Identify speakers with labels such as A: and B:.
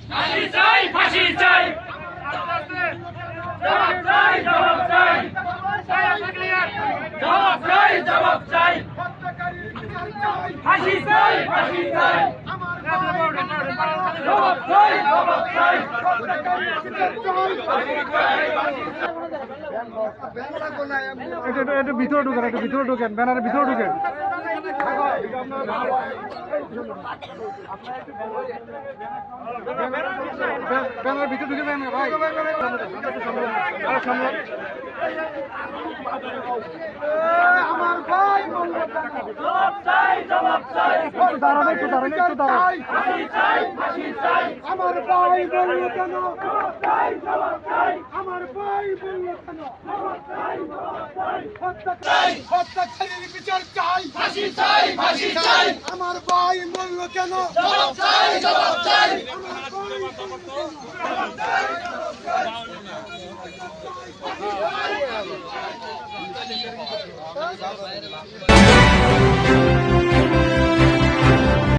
A: ফাঁসি চাই ফাঁসি চাই জবাব চাই জবাব চাই জবাব চাই জবাব চাই ফাঁসি চাই ফাঁসি চাই জবাব চাই জবাব চাই
B: একটু ভিতরে ঢুকেন ব্যানারের ভিতরে ঢুকেন ব্যানারের ভিতরে ঢুকে দেন ভাই আমার ভাই
A: জবাব চাই জবাব চাই
B: দাঁড়ান একটু দাঁড়ান
A: ফাঁসি চাই ফাঁসি চাই
B: আমার ভাই বললো কেন
A: চাই জবাব চাই
B: আমার ভাই বললো কেন হত্যাকারীর বিচার চাই
A: ফাঁসি চাই ফাঁসি চাই
B: আমার ভাই বললো কেন
A: জবাব চাই জবাব চাই
B: আমার ভাই